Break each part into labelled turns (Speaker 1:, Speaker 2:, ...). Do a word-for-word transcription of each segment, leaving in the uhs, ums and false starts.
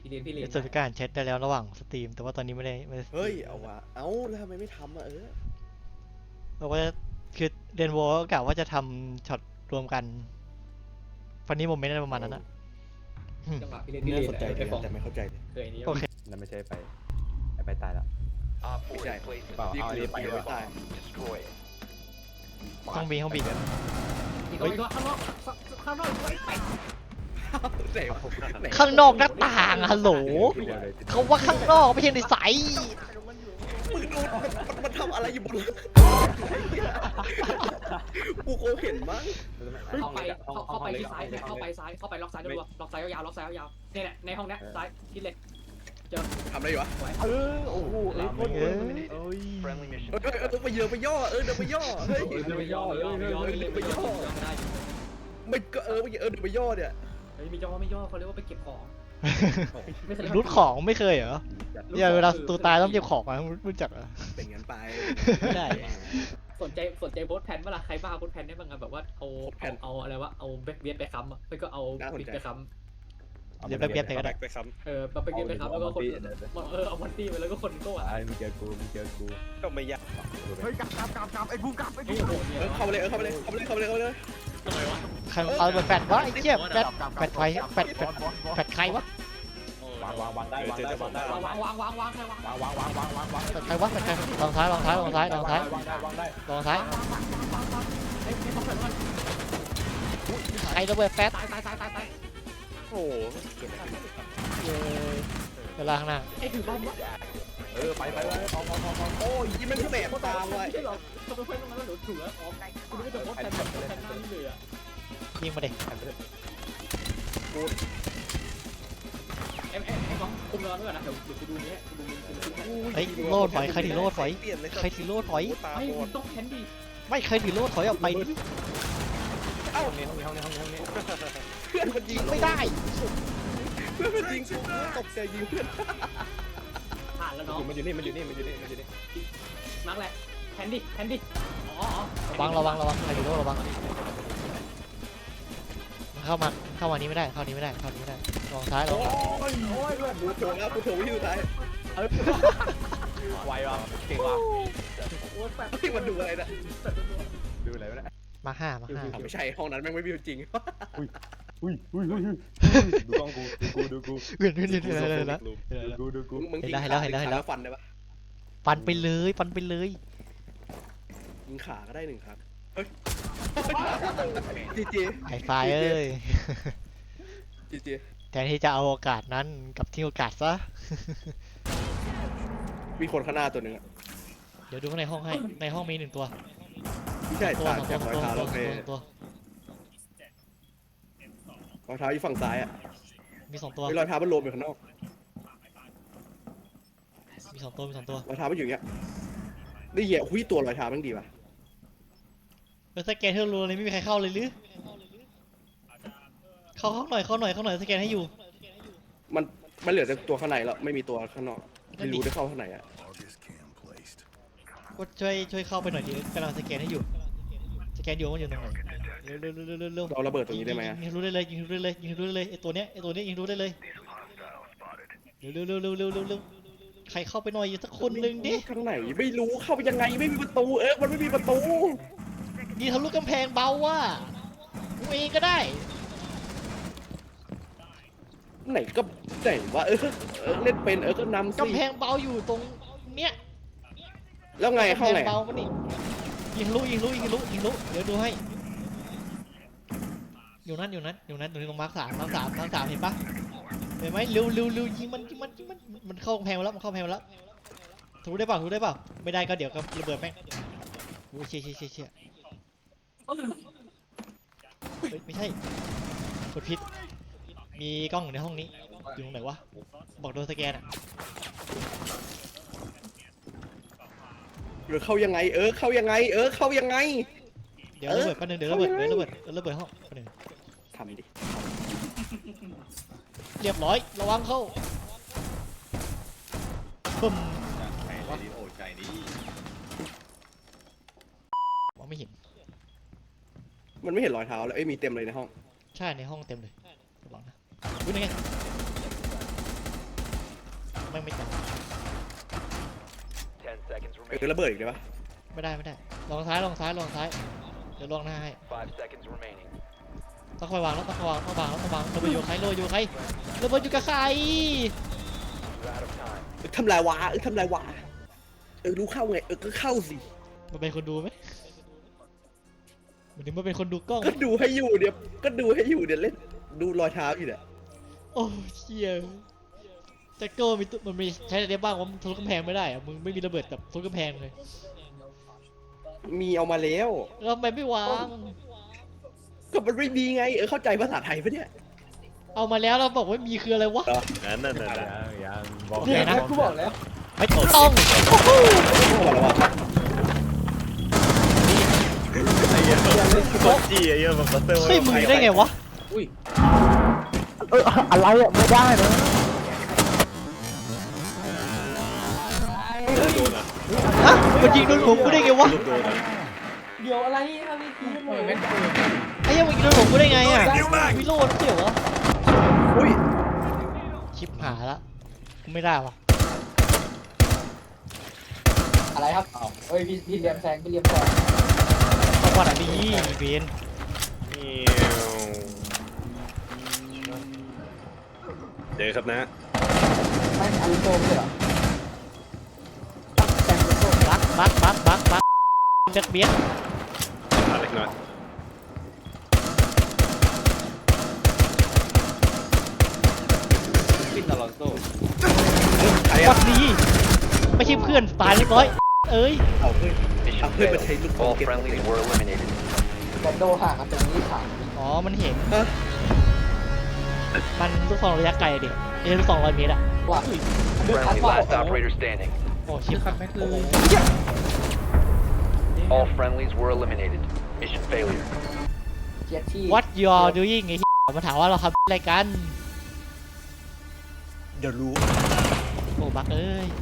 Speaker 1: เรียนพี่เรียน
Speaker 2: เซอร์ติฟิการแชทได้แล้วระหว่างสตรีมแต่ว่าตอนนี้ไม่ได้ไม่ได้
Speaker 3: เฮ้ยเอาวะเอ้าแล้วทำไมไม่ทำอ่ะเออ
Speaker 2: เราก็คือเดนโวก็กะว่าจะทำช็อตรวมกันฟันนี้โมเมนต์อะไรประมาณนั้นนะ
Speaker 1: จังหวะพี่เรียนพี่เรี
Speaker 3: น่าย
Speaker 1: น
Speaker 3: สนใจดี
Speaker 1: ไอ้ฟอง
Speaker 3: แต่ไม่เข้าใจเลย
Speaker 1: เคยนี้
Speaker 2: โอเค
Speaker 4: นั่นไม่ใช่ไปไอ้ไปตายแล้ว
Speaker 3: ไม่ใช่
Speaker 4: เปล่า
Speaker 3: นี่
Speaker 4: เอาอัน
Speaker 3: คือ
Speaker 4: นี้ไป
Speaker 3: ไป
Speaker 4: ดีก
Speaker 3: ไม่
Speaker 4: ว่า
Speaker 3: ตาย
Speaker 2: ห้องบีห้องบี
Speaker 1: อีกตัวอีกตัวข้างนอกข้างนอกไป
Speaker 3: ไหนวะไหน
Speaker 2: ข้างนอกหน้าต่างฮัลโหลเขาว่าข้างนอกไม่ใช่ในใส
Speaker 3: มึงดูมันมันทำอะไรอยู่บนกูคงเห็นมั้ง
Speaker 1: เข้าไปเข้าไปที่ซ้ายเข้าไปซ้ายเข้าไปล็อกซ้ายด้วยล็อกซ้ายยาวล็อกซ้ายยาวเนี่ยแหละในห้องนี้ซ้ายที่เล็กเจอ
Speaker 3: ทำอะไรอยู่วะ
Speaker 4: เออโอ้โหเอ้ยโคตรเอ้ย
Speaker 3: เออเออเออไปเยอะไปย่อเออเดี๋ยวไปย่อเฮ้ย
Speaker 1: ไม่ย่อไม่ย่อไม่ย่อไม่ย่อไม่ย่อไม่ได้
Speaker 3: ไม่ก็เออไปเออเดี๋ยวไปย่อเนี่ย
Speaker 1: เฮ้ยไม่ย่อไม่ย่อเขาเรียกว่าไปเก็บของไม่เคย
Speaker 2: รุดของไม่เคยเหรอเนี่ยเวลาตัวตายต้องเก็บของมารู้จักเหรอ
Speaker 3: เป็นงั้นไป
Speaker 2: ไม่ได้
Speaker 1: สนใจสนใจโพสแพนเมื่อไรใครบ้าโพสแพนได้บ้างอะแบบว่าเอาเอาอะไรวะเอาแบ็กเวียดไปค้ำอ่ะไม่ก็เอาปิดไปค้ำ
Speaker 2: เดี๋ยวแป๊บเดียวไปก็ได้
Speaker 3: ไปซ้
Speaker 1: เออแบ็กเวียดไปค้ำแล้วก็คนเออเอามอนตี้ไปแล้วก็คนก็อ่ะ
Speaker 4: ไอ้มึงเจอกูมึงเจอกู
Speaker 3: ำก็ไม่ยาก
Speaker 4: เฮ้ยกลับกลับกลับกลับไอ้บูมกลับไอ้
Speaker 1: ไอ้
Speaker 4: บูม
Speaker 1: โหเนี่ย
Speaker 3: เออเข้าไปเลยเออเข้าไปเลยเข้าไปเลยเข้าไปเลยเข้าไปเลย
Speaker 1: ทำไมวะ
Speaker 2: ใครเอาไปแฟดวะไอ้เจี๊ยแฟดแฟดไฟแฟดแฟดแฟดใครวะ
Speaker 4: วางวางวางได้วางได้วางได้
Speaker 1: วางวางวางวางใครวาง
Speaker 4: วางวางวางวางวางวาง
Speaker 2: แฟดใครวะแฟดใครลองซ้ายลองซ้ายลองซ้ายลองซ้ายว
Speaker 4: างได้วางได้
Speaker 2: ลองซ้าย
Speaker 1: ไอ้ไอ้ต้องเปิดมัน
Speaker 2: ใครระเบิดแฟด
Speaker 1: ตายตายตายตายตาย
Speaker 3: โอ้โห
Speaker 2: เวลาข้างหน้า
Speaker 1: ไอ้ถือบอมวะ
Speaker 4: เออไปไปไปพอพอพอพอ
Speaker 3: โอ้ยยิ่งมันก็แบบตามว่ะ
Speaker 1: ไม่ใช่หรอเขาไปเพื่อนตรงนั้นแล้วหนูถืออ๋อคุณไม่จะโพสแพนแบบแพนหน้านี่เลยอ่ะ
Speaker 2: ยิงมาเด็ก
Speaker 1: ไอ้ไอ้ไอ้ฟองคุมรอด้วยนะเดี๋ยวเดี๋ยวกูดูนี้กูดูมึง
Speaker 2: เฮ้ยโลดถอยใครถือโลดถอย
Speaker 3: เปลี่ยนเลย
Speaker 2: ใครถือโลดถอย
Speaker 3: ตา
Speaker 1: ไม่
Speaker 3: บอด
Speaker 1: ต้องแคนดี้
Speaker 2: ไม่ใครถือโลดถอยออกไปดิ
Speaker 3: เอ้า
Speaker 4: ห้องนี้ห้องนี้ห้องนี้ห้องนี้ห้องนี้
Speaker 3: เพื่อนมันยิ
Speaker 2: ยิ
Speaker 3: ง
Speaker 2: งไม่ได้
Speaker 3: เพื่อนมันยิงกูตกใจยิงเพื่อน
Speaker 1: ผ่านแล้วเนาะ
Speaker 4: มันอยู่นี่มันอยู่นี่มันอยู่นี่มันอยู่นี่
Speaker 1: นักแหละแคนดี้แคนดี้อ๋อ
Speaker 2: ระวังระวังระวังใครถือโลดระวังเข้ามาเข้ามานี้ไม่ได้เข้านี้ไม่ได้เข้านี้ไม่ได้ลองซ้ายลอง
Speaker 4: โอ้ยโอ้ยเพื่อน
Speaker 3: กูโถงแล้วกูโถงวิธีสุดท้าย
Speaker 4: ไวว่ะเก่งว่ะ
Speaker 1: โอ้ยแปด
Speaker 3: ที่มันดูอะไรนะ
Speaker 4: ดูอะไรวะเนี่ย
Speaker 2: มาห้ามาห้า
Speaker 3: ไม่ใช่ห้องนั้นแม่งไม่มีจริง
Speaker 4: อุ้ยอุ้ยอุ้ยอุ้ยดูกล้องกูดูกูดูกู
Speaker 2: เวียนเวียนเวียนเวียนเวียนแล้ว
Speaker 4: ดูกูดูกู
Speaker 3: มึงยิง
Speaker 2: เห็นแล้วเห็นแล้วเห็นแล้ว
Speaker 3: ฟันได้ปะ
Speaker 2: ฟันไปเลยฟันไปเลย
Speaker 3: ยิงขาก็ได้หนึ่งครั้งเฮ้ยจีจี
Speaker 2: ไอ้ไฟเอ้ย
Speaker 3: จีจี
Speaker 2: แทนที่จะเอาโอกาสนั้นกับทิ้งโอกาสซะ
Speaker 3: มีคนข้างหน้าตัวหนึ่งอะ
Speaker 2: เดี๋ยวดูข้างในห้องให้ในห้องมีหนึ่งตัว
Speaker 3: ไม่ใช่
Speaker 2: ตัว
Speaker 3: ต่าง
Speaker 2: สอง
Speaker 3: จาก
Speaker 2: ตัว
Speaker 3: รอย
Speaker 2: สอง
Speaker 3: เท้า
Speaker 2: ตัว
Speaker 3: เรา
Speaker 2: ส
Speaker 3: เป
Speaker 2: องตัว
Speaker 3: รอยเท้าอยู่ฝั่งซ้ายอะ
Speaker 2: มีสองตัว
Speaker 3: มีรอยเท้ามันโลมอยู่ข้างนอก
Speaker 2: มีสองตัวมีสองตัว
Speaker 3: รอยเท้ามันอยู่อย่างเงี้ยนี่เหยียบหุ้ยตัวรอยเท้ามันดีป่ะ
Speaker 2: เออสแกนเท่ารัวเลยไม่มีใครเข้าเลยหรือเข้าเข้าหน่อยเข้าหน่อยเข้าหน่อยสแกนให้อยู่
Speaker 3: มันมันเหลือแต่ตัวข้างในแล้วไม่มีตัวข้างนอกไม่รู้ได้เข้าข้างในอะ
Speaker 2: ก็ช่วยช่วยเข้าไปหน่อยดิกำลังสแกนให้อยู่สแกนอยู่ว่ามันอยู่ตรงไหนเร็วเร็วเร็วเร็วเร็ว
Speaker 3: เราระเบิดตรงนี้ได้ไหมอะ
Speaker 2: ยิงรู้ได้เลยยิงรู้ได้เลยยิงรู้ได้เลยไอตัวเนี้ยไอตัวเนี้ยยิงรู้ได้เลยเร็วเร็วเร็วเร็วเร็วเร็วเร็วใครเข้าไปหน่อยสักคนหนึ่งดิ
Speaker 3: ข้างไหนไม่รู้เข้าไปยังไงไม่มีประตูเออมันไม่มีประตู
Speaker 2: ยิงทะลุกำแพงเบาว่ะกูเองก็ได้
Speaker 3: ไหนก็ไหนวะเออเออเล่นเป็นเออก็นำสิ
Speaker 2: กำแพงเบาอยู่ตรงเนี้ย
Speaker 3: แล้วไงเข้าไง
Speaker 2: กำแพงเบามันนี่ยิงทะลุยิงทะลุยิงทะลุยิงทะลุเดี๋ยวดูให้อยู่นั่นอยู่นั่นอยู่นั่นตรงนี้ตรงมาร์คสามมาร์คสามมาร์คสามเห็นปะเห็นไหมเร็วเร็วเร็วยิงมันยิงมันยิงมันมันเข้ากำแพงมาแล้วมันเข้ากำแพงมาแล้วทะลุได้เปล่าทะลุได้เปล่าไม่ได้ก็เดี๋ยวก็ระเบิดแม่งโอ้ยเชี่ยเชี่ยเชี่ยเชี่ยเฮ้ยไม่ใช่กดผิดมีกล้องอยู่ในห้องนี้อยู่ตรงไหนวะบอกโดนสแกนอ่ะ
Speaker 3: หรือเข้ายังไงเออเข้ายังไงเออเข้ายังไง
Speaker 2: เดี๋ยวระเบิดแป๊บนึงเดี๋ยวระเบิดเดี๋ยวระเบิดเดี๋ยวระเบิดห้องแป๊บนึง
Speaker 3: ทำดิ
Speaker 2: เรียบร้อยระวังเข้าปึ้มมองไม่เห็น
Speaker 3: มันไม่เห็นรอยเท้าแล้วเอ้ยมีเต็มเลยในห้อง
Speaker 2: ใช่ในห้องเต็มเลยระวังนะอุ้ยนี่ไงม่งไม่จับ
Speaker 5: Ten seconds
Speaker 3: เออ
Speaker 5: remaining.
Speaker 3: ระเบิดอีกได้ปะ
Speaker 2: ไม่ได้ไม่ได้ลองซ้ายลองซ้ายลองซ้ายเดี๋ยวลองหน้าให้
Speaker 5: Five seconds remaining.
Speaker 2: ต้องคอยวางแล้วต้องคอยวางต้องวางแล้วต้องวางระเบิดอยู่กับใครระเบิดอยู่กับใครระเบิดอยู่กับใคร
Speaker 5: You're out of time.
Speaker 3: เออทำลายวะเออทำลายวะเออรู้เข้าไงเออก็เข้าสิ
Speaker 2: มันเป็นคนดูไหมมันถึงมันเป็นคนดูกล้องไหม
Speaker 3: ก็ดูให้อยู่เดี๋ยวก็ดูให้อยู่เดี๋ยวเล่นดูรอยเท้าอยู่เนี่ย
Speaker 2: โอ้เชี่ยแจ็คเกิลมีตัวมันมีใช้อะไรได้บ้างว่ามึงทะลุกำแพงไม่ได้อะมึงไม่มีระเบิดแบบทะลุกำแพงเลย
Speaker 3: มีเอามาแล้ว
Speaker 2: แล้วทำไมไม่วาง
Speaker 3: ก็มันไม่มีไงเออเข้าใจภาษาไทยปะเนี่ย
Speaker 2: เอามาแล้วเราบอกว่ามีคืออะไรวะ
Speaker 4: นั่นนั่นนั่นยังบอก
Speaker 2: เนี่ยนะ
Speaker 4: กูบอกแล้ว
Speaker 2: ไม่ต้อง
Speaker 3: บอกแล้วว่า
Speaker 4: ไอ้เหี้ยโคตรจี้ไอ้เหี้ยแบบบัสเตอร์
Speaker 2: เฮ้ยมึงได้ไงวะ
Speaker 1: อุ้ย
Speaker 4: เอออะไรอ่ะไม่ได้นะ
Speaker 3: โดนอ่ะ
Speaker 2: ฮะมันยิงโดนผมกูได้ไงวะ
Speaker 3: โดนอ่ะ
Speaker 1: เดี๋ยวอะไรอะไรคือเหมือนกัน
Speaker 2: ไอ้เหี้ยังมันยิงโดนผมกูได้ไงอ่ะวิโรจน์เกี่ยววะ
Speaker 3: อุ้ย
Speaker 2: ชิปหายละกูไม่ได้วะ
Speaker 1: อะไรครับอ้าวเฮ้ยพี่พี่เลียมแซงพี่เลียมแซง
Speaker 2: ต้องวัดอันนี้อีเวน
Speaker 3: เจอครับนะ
Speaker 1: ไม่อันโตเลยเหรอแซงโต
Speaker 2: บักบักบักบักบักเด็กเบี้ย
Speaker 3: มาเล็กน้อย
Speaker 1: ฟินอลอนโซ
Speaker 3: ใคร
Speaker 2: วั
Speaker 3: อ่ะ
Speaker 2: ดดีไม่ใช่เพื่อนตายเรียบร้อยเอ้ย
Speaker 3: เอาเพื่อน
Speaker 5: Mission
Speaker 3: I'll put my
Speaker 5: failed.
Speaker 3: table
Speaker 5: All
Speaker 3: pocket.
Speaker 5: friendlies were eliminated.
Speaker 1: แบนโดห่างกันตรงนี้ถาม
Speaker 2: อ๋อมันเห็น
Speaker 3: ฮะ
Speaker 2: มันลูกซองระยะไกลดิเอ้ยลูกซองร้อยเมตรอะ
Speaker 1: ว่าเดือดคัด
Speaker 5: Friendly
Speaker 1: ว่า
Speaker 5: last operator standing.
Speaker 2: โอ้ชิปคัดไม่คือ
Speaker 5: All friendlies were eliminated. Mission failure.
Speaker 1: เกียรที่
Speaker 2: What you are doing ไอ้เหี้ยมาถามว่าเราทำอะไรกัน
Speaker 3: เดี๋ยวรู้
Speaker 2: โอ้บักเอ้ย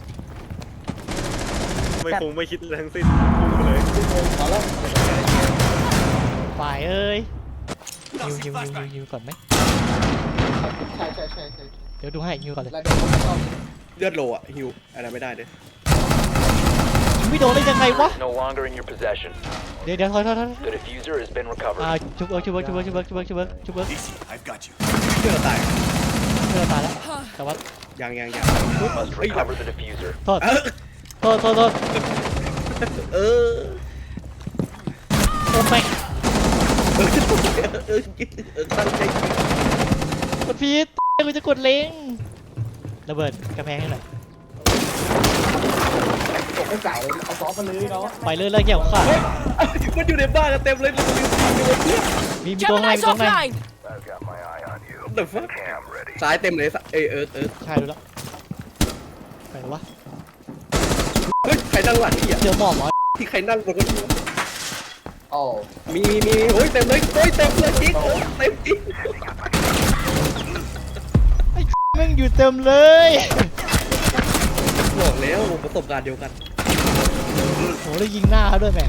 Speaker 4: ไม่คงไม่คิดอะไรทั้งสิ้นพุ่งเลย
Speaker 1: ขอแล้ว
Speaker 2: ฝ่ายเอ้ยยิวยิวยิวยิวยิวก่อนไหม
Speaker 1: ใช่ใช่ใช่ใช่
Speaker 2: เดี๋ยวดูให้ยิวก่อนเลย
Speaker 1: แล้วเดี๋ยวผมต้อง
Speaker 3: เลือดโลอ่ะฮิวอะไรไม่ได้เลย
Speaker 2: ยิงไม่โดนได้ยังไงวะ
Speaker 5: No longer in your possession.
Speaker 2: เดี๋ยวเดี๋ยวถอยถอยถอย
Speaker 5: The diffuser has been
Speaker 2: อ่า
Speaker 5: recovered.
Speaker 2: ชุบเอิร์กชุบเอิร์กชุบเอิร์กชุบเอิร์กชุบเอิร์กชุบเอิร์กชุบเอิร์ก
Speaker 3: เลือดตาย
Speaker 2: เพื่อนตายแล้วแต่ว่า
Speaker 3: ยังยังยัง
Speaker 5: Must recover the diffuser.
Speaker 2: โทษ
Speaker 3: เออ
Speaker 2: โทษโทษโทษ
Speaker 3: เออ
Speaker 2: โอ้แม่ง
Speaker 3: เออเออเออตั้งใจ
Speaker 2: กดพีทกูจะกดเล้งระเบิดกระแพงให้หน่อย
Speaker 1: ผมไม่ใส่เอาซอฟมาเลยเนาะ
Speaker 2: ไปเลยเลยเกี่ยวของขาด
Speaker 3: มันอยู่ในบ้านกันเต็มเลยมันอยู่ใน
Speaker 2: มีมีตัวข้างในมีตัวข้างใน
Speaker 3: เดือดฟ้าซ้ายเต็มเลยเออเออเออ
Speaker 2: ใช่ดูแล้วไปหรอวะ
Speaker 3: เฮ้ยใครนั่งหลังนี่อ่ะ
Speaker 2: เจอหมอบเหรอ
Speaker 3: ที่ใครนั่งบนเก้าอี้
Speaker 1: โอ้
Speaker 3: มีมีโอ้ยเต็มเลยโอ้ยเต็มเลยจิ๊กโอ้ยเต็มจิ๊ก
Speaker 2: แม่งอยู่เต็มเลย
Speaker 3: บอกแล้วประสบการณ์เดียวกัน
Speaker 2: โหแล้วยิงหน้าเขาด้วยแม่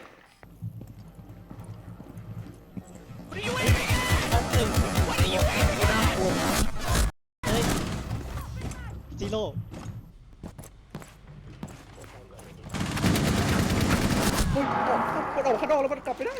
Speaker 2: เฮ้ยซีโร่
Speaker 3: เฮ้ยมันออกข้างนอกแล้วมันกลับไม่ได้